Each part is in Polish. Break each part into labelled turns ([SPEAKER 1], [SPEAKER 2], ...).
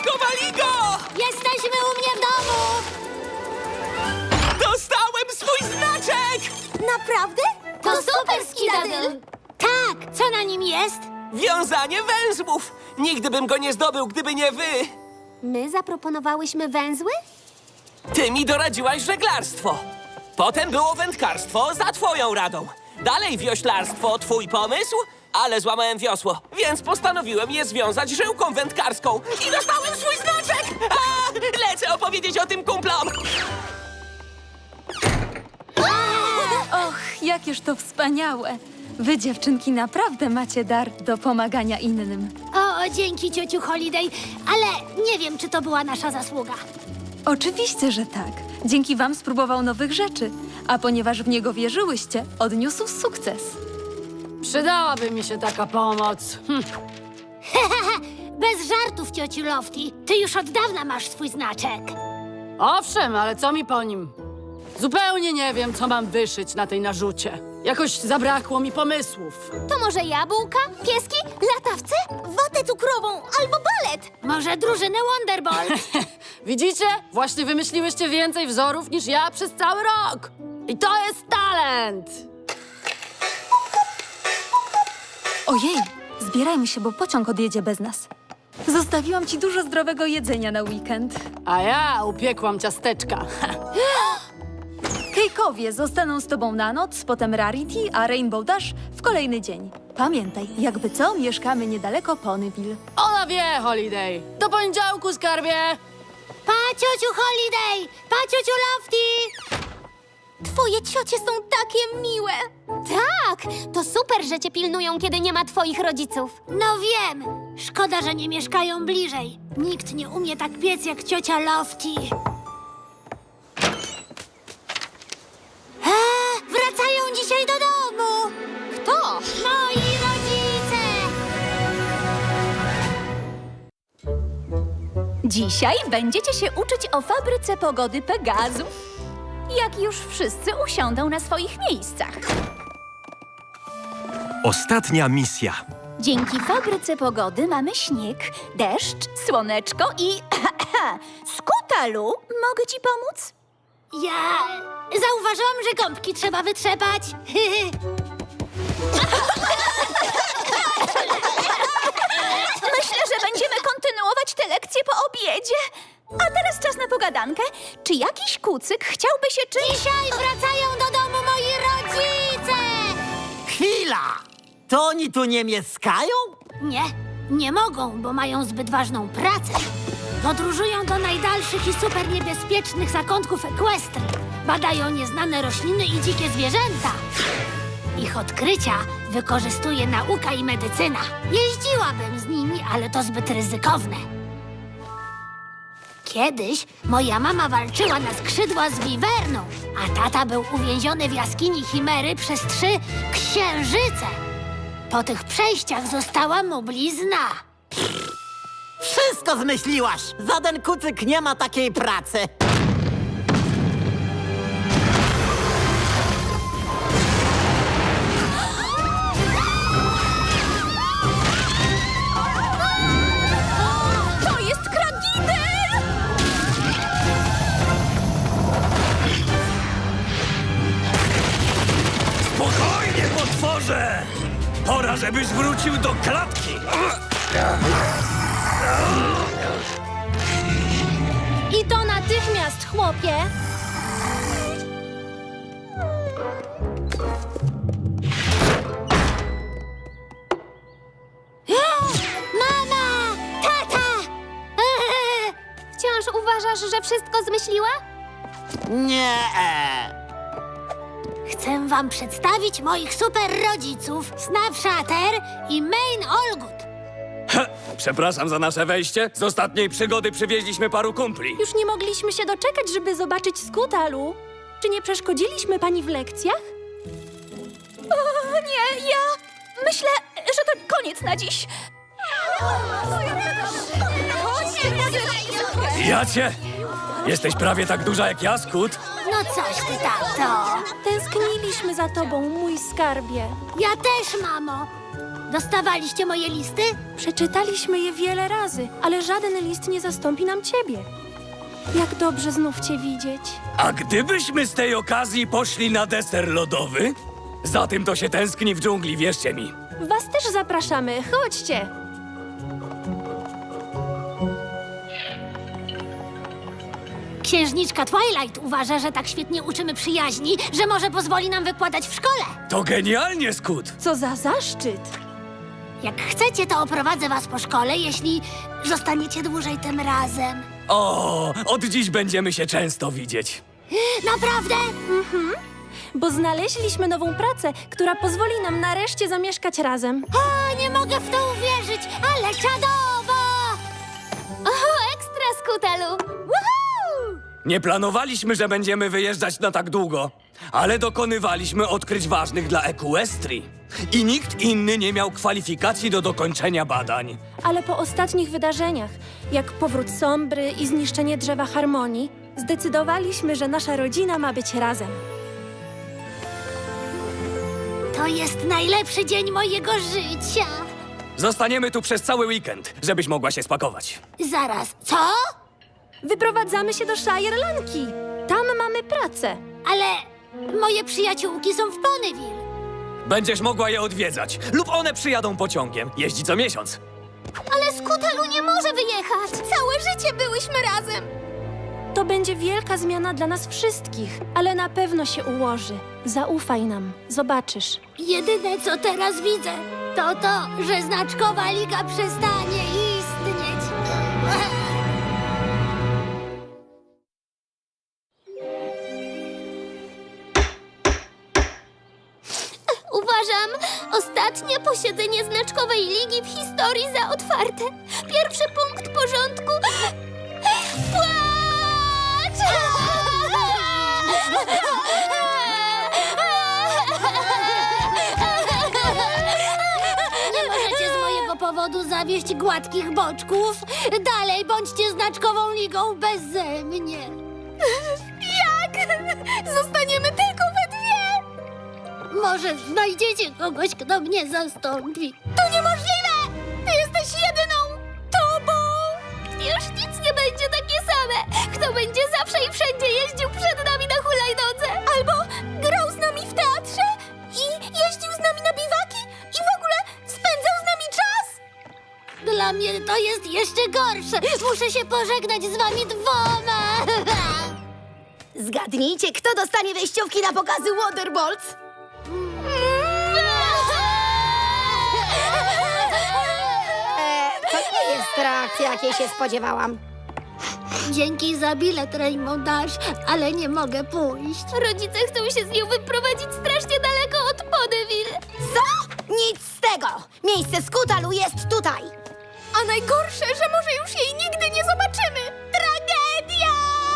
[SPEAKER 1] wali go!
[SPEAKER 2] Jesteśmy u mnie w domu!
[SPEAKER 1] Dostałem swój znaczek!
[SPEAKER 2] Naprawdę? To super, Skidadyl! Tak, co na nim jest?
[SPEAKER 1] Wiązanie węzłów! Nigdy bym go nie zdobył, gdyby nie wy!
[SPEAKER 2] My zaproponowałyśmy węzły?
[SPEAKER 1] Ty mi doradziłaś żeglarstwo. Potem było wędkarstwo za twoją radą. Dalej wioślarstwo, twój pomysł, ale złamałem wiosło, więc postanowiłem je związać żyłką wędkarską i dostałem swój znaczek! A, lecę opowiedzieć o tym kumplom!
[SPEAKER 3] Och, jakież to wspaniałe! Wy, dziewczynki, naprawdę macie dar do pomagania innym.
[SPEAKER 2] O, dzięki, ciociu Holiday, ale nie wiem, czy to była nasza zasługa.
[SPEAKER 3] Oczywiście, że tak. Dzięki wam spróbował nowych rzeczy, a ponieważ w niego wierzyłyście, odniósł sukces.
[SPEAKER 4] Przydałaby mi się taka pomoc.
[SPEAKER 2] Bez żartów, ciociu Lofty. Ty już od dawna masz swój znaczek.
[SPEAKER 4] Owszem, ale co mi po nim? Zupełnie nie wiem, co mam wyszyć na tej narzucie. Jakoś zabrakło mi pomysłów.
[SPEAKER 2] To może jabłka, pieski, latawce, watę cukrową albo balet? Może drużynę Wonderbolt?
[SPEAKER 4] Widzicie? Właśnie wymyśliłyście więcej wzorów niż ja przez cały rok. I to jest talent!
[SPEAKER 3] Ojej, zbierajmy się, bo pociąg odjedzie bez nas. Zostawiłam ci dużo zdrowego jedzenia na weekend.
[SPEAKER 4] A ja upiekłam ciasteczka.
[SPEAKER 3] Kejkowie zostaną z tobą na noc, potem Rarity, a Rainbow Dash w kolejny dzień. Pamiętaj, jakby co, mieszkamy niedaleko Ponyville.
[SPEAKER 4] Ona wie, Holiday. Do poniedziałku, skarbie!
[SPEAKER 2] Pa, ciociu Holiday! Pa, ciociu Lofty! Twoje ciocie są takie miłe. Tak, to super, że cię pilnują, kiedy nie ma twoich rodziców. No wiem. Szkoda, że nie mieszkają bliżej. Nikt nie umie tak piec jak ciocia Lofty. Wracają dzisiaj do domu. Kto? Moi rodzice.
[SPEAKER 5] Dzisiaj będziecie się uczyć o fabryce pogody Pegazów. Jak już wszyscy usiądą na swoich miejscach.
[SPEAKER 6] Ostatnia misja.
[SPEAKER 5] Dzięki fabryce pogody mamy śnieg, deszcz, słoneczko i... Skutalu, mogę ci pomóc?
[SPEAKER 2] Ja zauważyłam, że gąbki trzeba wytrzepać.
[SPEAKER 5] Myślę, że będziemy kontynuować te lekcje po obiedzie. A teraz czas na pogadankę. Czy jakiś kucyk chciałby się czymś...
[SPEAKER 2] Dzisiaj wracają do domu moi rodzice!
[SPEAKER 7] Chwila! To oni tu nie mieszkają?
[SPEAKER 2] Nie mogą, bo mają zbyt ważną pracę. Podróżują do najdalszych i super niebezpiecznych zakątków Equestrii. Badają nieznane rośliny i dzikie zwierzęta. Ich odkrycia wykorzystuje nauka i medycyna. Jeździłabym z nimi, ale to zbyt ryzykowne. Kiedyś moja mama walczyła na skrzydła z wiwerną, a tata był uwięziony w jaskini Chimery przez 3 księżyce. Po tych przejściach została mu blizna.
[SPEAKER 7] Wszystko zmyśliłaś! Żaden kucyk nie ma takiej pracy!
[SPEAKER 5] To jest Kragidel!
[SPEAKER 6] Spokojnie, potworze! Pora, żebyś wrócił do klatki!
[SPEAKER 2] I to natychmiast, chłopie! Mama! Tata! Wciąż uważasz, że wszystko zmyśliła?
[SPEAKER 7] Nie.
[SPEAKER 2] Chcę wam przedstawić moich super rodziców, Snapshatter i Main Olgut.
[SPEAKER 1] Przepraszam za nasze wejście. Z ostatniej przygody przywieźliśmy paru kumpli.
[SPEAKER 8] Już nie mogliśmy się doczekać, żeby zobaczyć Skutalu. Czy nie przeszkodziliśmy pani w lekcjach?
[SPEAKER 5] O nie, ja myślę, że to koniec na dziś.
[SPEAKER 6] Jacie! Jesteś prawie tak duża jak ja, Skut.
[SPEAKER 2] No No coś ty, tato.
[SPEAKER 8] Tęskniliśmy za tobą, mój skarbie.
[SPEAKER 2] Ja też, mamo. Dostawaliście moje listy?
[SPEAKER 8] Przeczytaliśmy je wiele razy, ale żaden list nie zastąpi nam ciebie. Jak dobrze znów cię widzieć.
[SPEAKER 6] A gdybyśmy z tej okazji poszli na deser lodowy? Za tym to się tęskni w dżungli, wierzcie mi.
[SPEAKER 8] Was też zapraszamy, chodźcie.
[SPEAKER 2] Księżniczka Twilight uważa, że tak świetnie uczymy przyjaźni, że może pozwoli nam wykładać w szkole.
[SPEAKER 6] To genialnie, Scoot.
[SPEAKER 8] Co za zaszczyt.
[SPEAKER 2] Jak chcecie, to oprowadzę was po szkole, jeśli zostaniecie dłużej tym razem.
[SPEAKER 6] O, od dziś będziemy się często widzieć.
[SPEAKER 2] Naprawdę?
[SPEAKER 8] Bo znaleźliśmy nową pracę, która pozwoli nam nareszcie zamieszkać razem.
[SPEAKER 2] O, nie mogę w to uwierzyć, ale czadowo!
[SPEAKER 5] O, ekstra, Skutalu! Woohoo!
[SPEAKER 6] Nie planowaliśmy, że będziemy wyjeżdżać na tak długo, ale dokonywaliśmy odkryć ważnych dla Equestrii. I nikt inny nie miał kwalifikacji do dokończenia badań.
[SPEAKER 8] Ale po ostatnich wydarzeniach, jak powrót Sombry i zniszczenie drzewa harmonii, zdecydowaliśmy, że nasza rodzina ma być razem.
[SPEAKER 2] To jest najlepszy dzień mojego życia.
[SPEAKER 6] Zostaniemy tu przez cały weekend, żebyś mogła się spakować.
[SPEAKER 2] Zaraz, co?
[SPEAKER 8] Wyprowadzamy się do Shirelanki. Tam mamy pracę.
[SPEAKER 2] Ale moje przyjaciółki są w Ponyville.
[SPEAKER 6] Będziesz mogła je odwiedzać, lub one przyjadą pociągiem. Jeździ co miesiąc.
[SPEAKER 5] Ale Skutalu nie może wyjechać! Całe życie byłyśmy razem!
[SPEAKER 8] To będzie wielka zmiana dla nas wszystkich, ale na pewno się ułoży. Zaufaj nam, zobaczysz.
[SPEAKER 2] Jedyne, co teraz widzę, to, że Znaczkowa Liga przestanie istnieć.
[SPEAKER 5] Uważam ostatnie posiedzenie Znaczkowej Ligi w historii za otwarte. Pierwszy punkt porządku. Płacz!
[SPEAKER 2] Nie możecie z mojego powodu zawieść gładkich boczków. Dalej bądźcie Znaczkową Ligą beze mnie.
[SPEAKER 5] Jak? Zostaniemy tylko we dwie!
[SPEAKER 2] Może znajdziecie kogoś, kto mnie zastąpi.
[SPEAKER 5] To niemożliwe! Ty jesteś jedyną tobą! Już nic nie będzie takie same! Kto będzie zawsze i wszędzie jeździł przed nami na hulajnodze? Albo grał z nami w teatrze i jeździł z nami na biwaki i w ogóle spędzał z nami czas?
[SPEAKER 2] Dla mnie to jest jeszcze gorsze. Muszę się pożegnać z wami dwoma.
[SPEAKER 9] Zgadnijcie, kto dostanie wejściówki na pokazy Waterbolts? To nie jest reakcja, jakiej się spodziewałam.
[SPEAKER 2] Dzięki za bilet, Rainbow Dash, ale nie mogę pójść.
[SPEAKER 5] Rodzice chcą się z nią wyprowadzić strasznie daleko od Ponyville.
[SPEAKER 9] Co? Nic z tego! Miejsce Skutalu jest tutaj!
[SPEAKER 5] A najgorsze, że może już jej nigdy nie zobaczymy. Tragedia!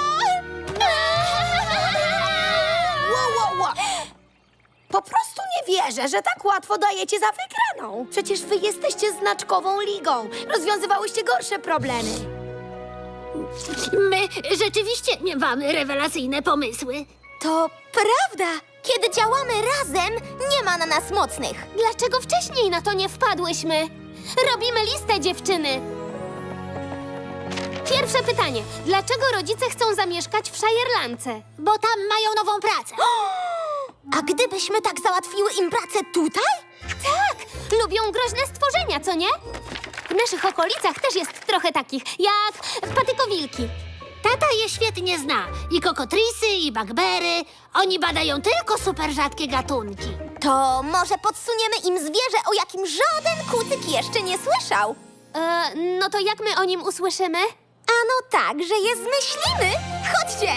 [SPEAKER 9] Wow. Po prostu nie wierzę, że tak łatwo dajecie za wygraną. Przecież wy jesteście Znaczkową Ligą. Rozwiązywałyście gorsze problemy.
[SPEAKER 2] My rzeczywiście mamy rewelacyjne pomysły.
[SPEAKER 5] To prawda! Kiedy działamy razem, nie ma na nas mocnych. Dlaczego wcześniej na to nie wpadłyśmy? Robimy listę, dziewczyny. Pierwsze pytanie. Dlaczego rodzice chcą zamieszkać w Shirelandce?
[SPEAKER 2] Bo tam mają nową pracę.
[SPEAKER 5] A gdybyśmy tak załatwiły im pracę tutaj? Tak! Lubią groźne stworzenia, co nie? W naszych okolicach też jest trochę takich, jak patykowilki.
[SPEAKER 2] Tata je świetnie zna. I kokotrisy, i bugbery. Oni badają tylko super rzadkie gatunki.
[SPEAKER 5] To może podsuniemy im zwierzę, o jakim żaden kucyk jeszcze nie słyszał. No to jak my o nim usłyszymy? Ano tak, że je zmyślimy. Chodźcie!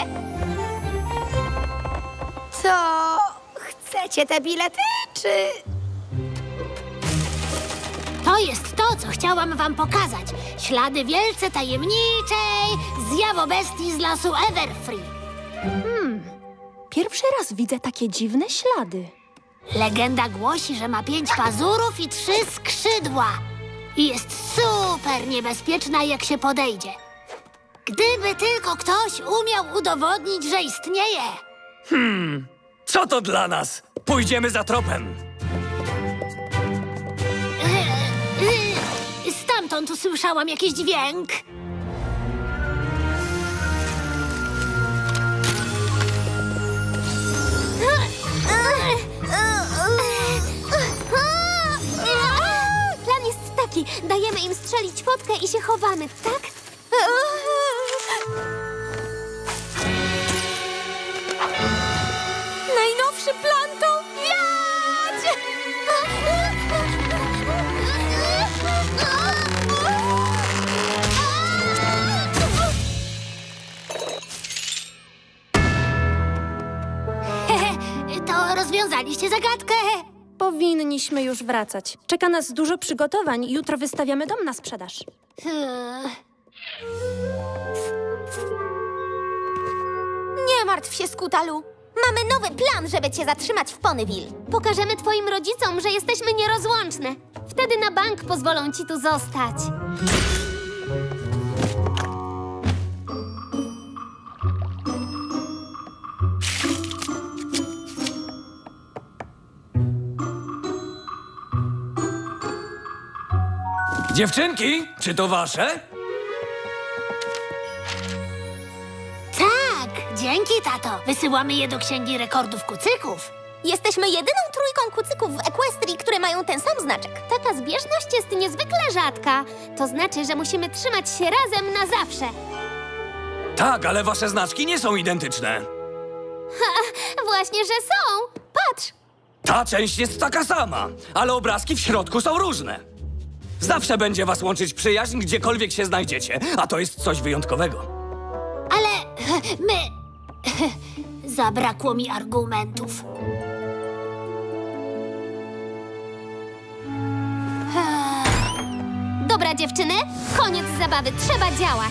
[SPEAKER 9] To chcecie te bilety, czy...
[SPEAKER 2] To jest to, co chciałam wam pokazać. Ślady wielce tajemniczej zjawobestii z lasu Everfree.
[SPEAKER 8] Pierwszy raz widzę takie dziwne ślady.
[SPEAKER 2] Legenda głosi, że ma 5 pazurów i 3 skrzydła. I jest super niebezpieczna, jak się podejdzie. Gdyby tylko ktoś umiał udowodnić, że istnieje.
[SPEAKER 6] Co to dla nas? Pójdziemy za tropem.
[SPEAKER 2] Stamtąd usłyszałam jakiś dźwięk.
[SPEAKER 5] Plan jest taki. Dajemy im strzelić fotkę i się chowamy, tak?
[SPEAKER 8] Najnowszy plan to wiać!
[SPEAKER 2] To rozwiązaliście zagadkę.
[SPEAKER 8] Powinniśmy już wracać. Czeka nas dużo przygotowań. Jutro wystawiamy dom na sprzedaż.
[SPEAKER 5] Nie martw się, Skutalu. Mamy nowy plan, żeby cię zatrzymać w Ponyville. Pokażemy twoim rodzicom, że jesteśmy nierozłączne. Wtedy na bank pozwolą ci tu zostać.
[SPEAKER 6] Dziewczynki, czy to wasze?
[SPEAKER 2] Tak, dzięki, tato. Wysyłamy je do Księgi Rekordów Kucyków.
[SPEAKER 5] Jesteśmy jedyną trójką kucyków w Equestrii, które mają ten sam znaczek. Taka zbieżność jest niezwykle rzadka. To znaczy, że musimy trzymać się razem na zawsze.
[SPEAKER 6] Tak, ale wasze znaczki nie są identyczne.
[SPEAKER 5] Właśnie, że są. Patrz.
[SPEAKER 6] Ta część jest taka sama, ale obrazki w środku są różne. Zawsze będzie was łączyć przyjaźń, gdziekolwiek się znajdziecie, a to jest coś wyjątkowego.
[SPEAKER 2] Ale my... Zabrakło mi argumentów.
[SPEAKER 5] Dobra, dziewczyny, koniec zabawy. Trzeba działać.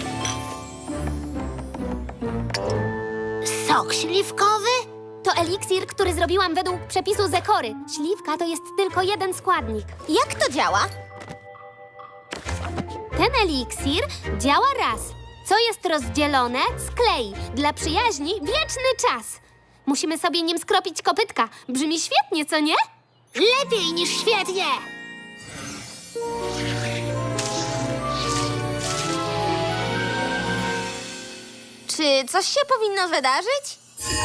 [SPEAKER 2] Sok śliwkowy?
[SPEAKER 5] To eliksir, który zrobiłam według przepisu Zekory. Śliwka to jest tylko jeden składnik. Jak to działa? Ten eliksir działa raz. Co jest rozdzielone, sklei. Dla przyjaźni wieczny czas. Musimy sobie nim skropić kopytka. Brzmi świetnie, co nie?
[SPEAKER 2] Lepiej niż świetnie!
[SPEAKER 5] Czy coś się powinno wydarzyć?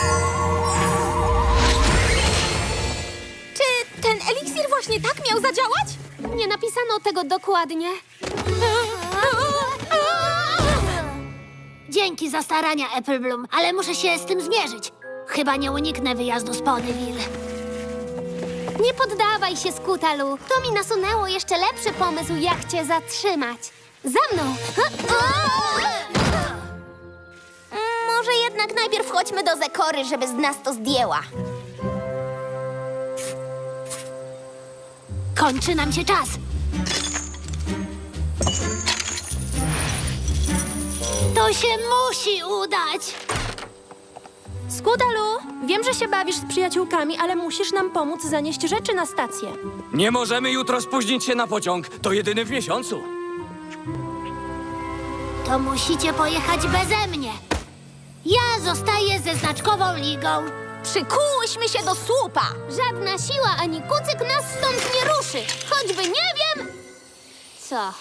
[SPEAKER 5] Czy ten eliksir właśnie tak miał zadziałać? Nie napisano tego dokładnie.
[SPEAKER 2] Dzięki za starania, Apple Bloom, ale muszę się z tym zmierzyć. Chyba nie uniknę wyjazdu z Ponyville.
[SPEAKER 5] Nie poddawaj się, Skutalu. To mi nasunęło jeszcze lepszy pomysł, jak cię zatrzymać. Za mną! Może jednak najpierw chodźmy do Zekory, żeby z nas to zdjęła.
[SPEAKER 2] Kończy nam się czas. To się musi udać.
[SPEAKER 8] Skutalu, wiem, że się bawisz z przyjaciółkami, ale musisz nam pomóc zanieść rzeczy na stację.
[SPEAKER 6] Nie możemy jutro spóźnić się na pociąg. To jedyny w miesiącu.
[SPEAKER 2] To musicie pojechać beze mnie. Ja zostaję ze znaczkową ligą.
[SPEAKER 5] Przykułyśmy się do słupa. Żadna siła ani kucyk nas stąd nie ruszy. Choćby nie wiem... Co?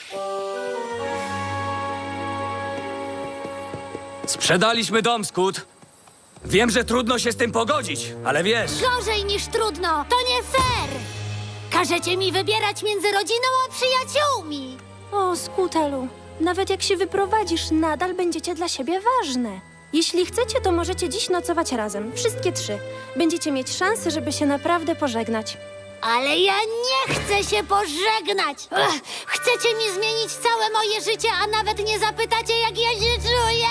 [SPEAKER 6] Sprzedaliśmy dom, Skut. Wiem, że trudno się z tym pogodzić, ale wiesz...
[SPEAKER 2] Gorzej niż trudno. To nie fair. Każecie mi wybierać między rodziną a przyjaciółmi.
[SPEAKER 8] O, Skutalu, nawet jak się wyprowadzisz, nadal będziecie dla siebie ważne. Jeśli chcecie, to możecie dziś nocować razem. Wszystkie trzy. Będziecie mieć szansę, żeby się naprawdę pożegnać.
[SPEAKER 2] Ale ja nie chcę się pożegnać. Chcecie mi zmienić całe moje życie, a nawet nie zapytacie, jak ja się czuję?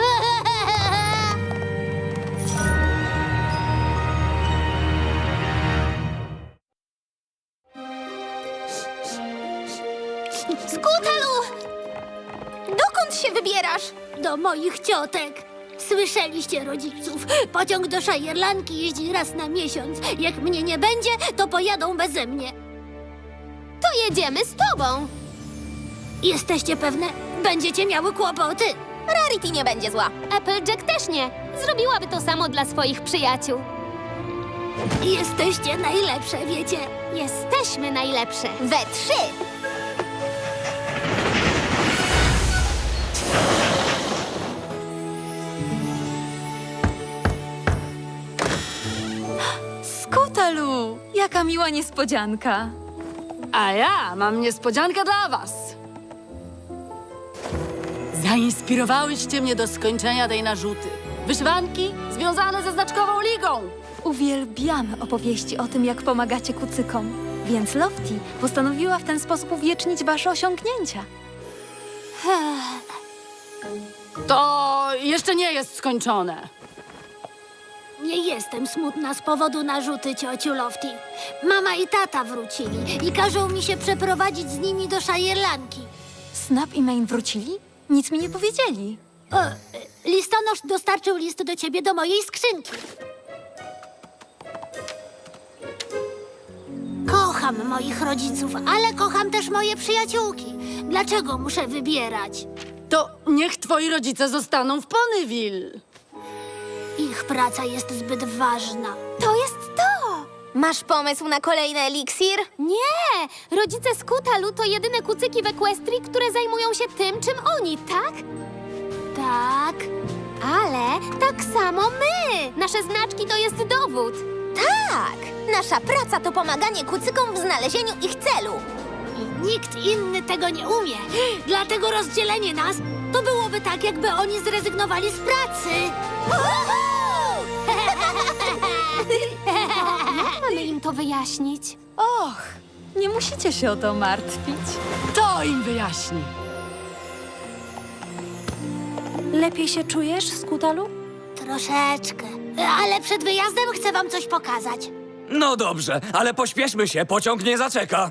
[SPEAKER 5] Skutalu! Dokąd się wybierasz?
[SPEAKER 2] Do moich ciotek. Słyszeliście, rodziców? Pociąg do Szajerlanki jeździ raz na miesiąc. Jak mnie nie będzie, to pojadą beze mnie.
[SPEAKER 5] To jedziemy z tobą.
[SPEAKER 2] Jesteście pewne? Będziecie miały kłopoty.
[SPEAKER 5] Rarity nie będzie zła. Applejack też nie. Zrobiłaby to samo dla swoich przyjaciół.
[SPEAKER 2] Jesteście najlepsze, wiecie?
[SPEAKER 5] Jesteśmy najlepsze. We 3.
[SPEAKER 3] Skutalu! Jaka miła niespodzianka.
[SPEAKER 4] A ja mam niespodziankę dla was. Zainspirowałyście mnie do skończenia tej narzuty. Wyszwanki związane ze znaczkową ligą.
[SPEAKER 3] Uwielbiamy opowieści o tym, jak pomagacie kucykom. Więc Lofty postanowiła w ten sposób uwiecznić wasze osiągnięcia.
[SPEAKER 4] To jeszcze nie jest skończone.
[SPEAKER 2] Nie jestem smutna z powodu narzuty, ciociu Lofty. Mama i tata wrócili i każą mi się przeprowadzić z nimi do Shirelanki.
[SPEAKER 3] Snap i Main wrócili? Nic mi nie powiedzieli.
[SPEAKER 2] Listonosz dostarczył list do ciebie do mojej skrzynki. Kocham moich rodziców, ale kocham też moje przyjaciółki. Dlaczego muszę wybierać?
[SPEAKER 4] To niech twoi rodzice zostaną w Ponyville.
[SPEAKER 2] Ich praca jest zbyt ważna.
[SPEAKER 5] To jest to! Masz pomysł na kolejny eliksir? Nie! Rodzice Skutalu to jedyne kucyki w Equestrii, które zajmują się tym, czym oni, tak?
[SPEAKER 2] Tak.
[SPEAKER 5] Ale tak samo my! Nasze znaczki to jest dowód. Tak! Nasza praca to pomaganie kucykom w znalezieniu ich celu.
[SPEAKER 2] I nikt inny tego nie umie. Dlatego rozdzielenie nas to byłoby tak, jakby oni zrezygnowali z pracy.
[SPEAKER 5] Jak mamy im to wyjaśnić?
[SPEAKER 3] Och, nie musicie się o to martwić.
[SPEAKER 4] To im wyjaśni.
[SPEAKER 8] Lepiej się czujesz, Skutalu?
[SPEAKER 2] Troszeczkę. Ale przed wyjazdem chcę wam coś pokazać.
[SPEAKER 6] No dobrze, ale pośpieszmy się, pociąg nie zaczeka.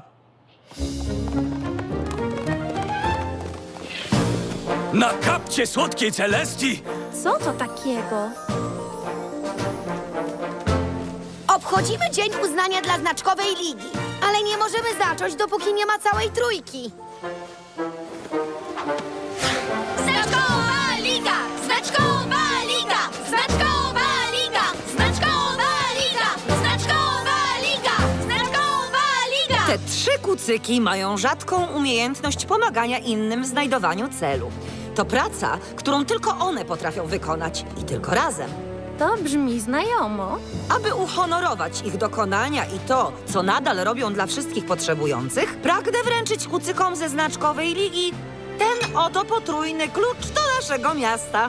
[SPEAKER 6] Na kapcie słodkiej Celestii!
[SPEAKER 8] Co to takiego?
[SPEAKER 9] Obchodzimy Dzień Uznania dla Znaczkowej Ligi, ale nie możemy zacząć, dopóki nie ma całej trójki.
[SPEAKER 5] Znaczkowa Liga! Znaczkowa Liga! Znaczkowa Liga! Znaczkowa Liga! Znaczkowa Liga! Znaczkowa Liga!
[SPEAKER 10] Te 3 kucyki mają rzadką umiejętność pomagania innym w znajdowaniu celu. To praca, którą tylko one potrafią wykonać i tylko razem.
[SPEAKER 8] To brzmi znajomo.
[SPEAKER 10] Aby uhonorować ich dokonania i to, co nadal robią dla wszystkich potrzebujących, pragnę wręczyć kucykom ze Znaczkowej Ligi ten oto potrójny klucz do naszego miasta.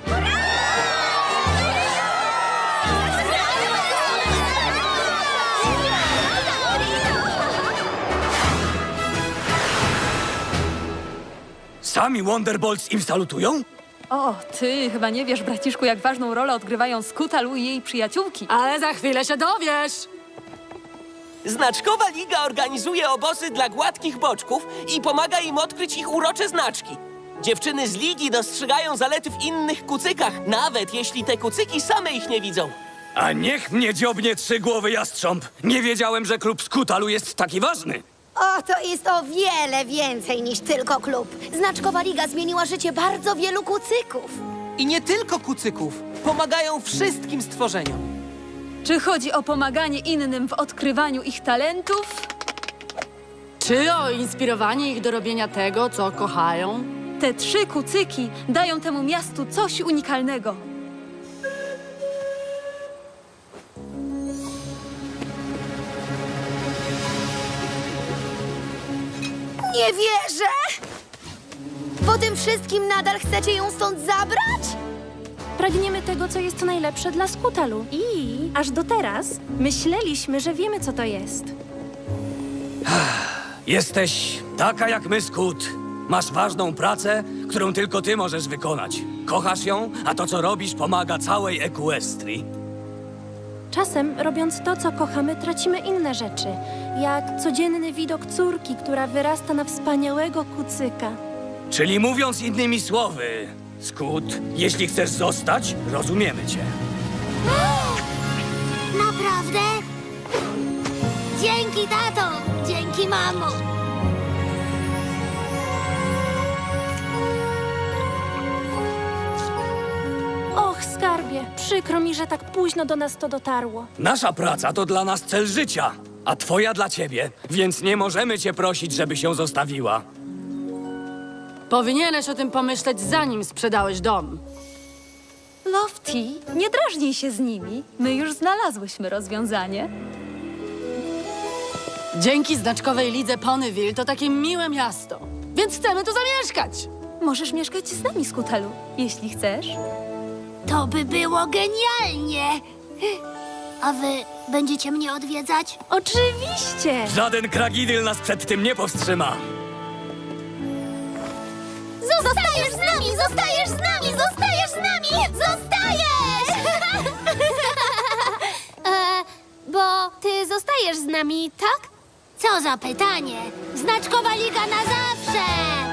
[SPEAKER 6] Sami Wonderbolts im salutują?
[SPEAKER 3] O, ty chyba nie wiesz, braciszku, jak ważną rolę odgrywają Skutalu i jej przyjaciółki.
[SPEAKER 4] Ale za chwilę się dowiesz.
[SPEAKER 1] Znaczkowa Liga organizuje obozy dla gładkich boczków i pomaga im odkryć ich urocze znaczki. Dziewczyny z Ligi dostrzegają zalety w innych kucykach, nawet jeśli te kucyki same ich nie widzą.
[SPEAKER 6] A niech mnie dziobnie 3-głowy jastrząb. Nie wiedziałem, że klub Skutalu jest taki ważny.
[SPEAKER 9] O, to jest o wiele więcej niż tylko klub. Znaczkowa Liga zmieniła życie bardzo wielu kucyków.
[SPEAKER 11] I nie tylko kucyków. Pomagają wszystkim stworzeniom.
[SPEAKER 3] Czy chodzi o pomaganie innym w odkrywaniu ich talentów?
[SPEAKER 4] Czy o inspirowanie ich do robienia tego, co kochają?
[SPEAKER 3] Te 3 kucyki dają temu miastu coś unikalnego.
[SPEAKER 9] Nie wierzę! Po tym wszystkim nadal chcecie ją stąd zabrać?
[SPEAKER 8] Pragniemy tego, co jest najlepsze dla Skutalu. I aż do teraz myśleliśmy, że wiemy, co to jest.
[SPEAKER 6] Jesteś taka jak my, Skut. Masz ważną pracę, którą tylko ty możesz wykonać. Kochasz ją, a to, co robisz, pomaga całej Equestrii.
[SPEAKER 8] Czasem, robiąc to, co kochamy, tracimy inne rzeczy, jak codzienny widok córki, która wyrasta na wspaniałego kucyka.
[SPEAKER 6] Czyli mówiąc innymi słowy, Skut, jeśli chcesz zostać, rozumiemy cię.
[SPEAKER 2] Naprawdę? Dzięki, tato! Dzięki, mamo!
[SPEAKER 8] Przykro mi, że tak późno do nas to dotarło.
[SPEAKER 6] Nasza praca to dla nas cel życia, a twoja dla ciebie, więc nie możemy cię prosić, żeby się zostawiła.
[SPEAKER 4] Powinieneś o tym pomyśleć, zanim sprzedałeś dom.
[SPEAKER 3] Lofty, nie drażnij się z nimi. My już znalazłyśmy rozwiązanie.
[SPEAKER 4] Dzięki znaczkowej lidze Ponyville to takie miłe miasto. Więc chcemy tu zamieszkać.
[SPEAKER 3] Możesz mieszkać z nami, Skutalu, jeśli chcesz.
[SPEAKER 2] To by było genialnie! A wy będziecie mnie odwiedzać?
[SPEAKER 8] Oczywiście!
[SPEAKER 6] Żaden kragidyl nas przed tym nie powstrzyma.
[SPEAKER 5] Zostajesz z nami! Zostajesz z nami! Zostajesz z nami! Zostajesz! Bo ty zostajesz z nami, tak?
[SPEAKER 2] Co za pytanie! Znaczkowa Liga na zawsze!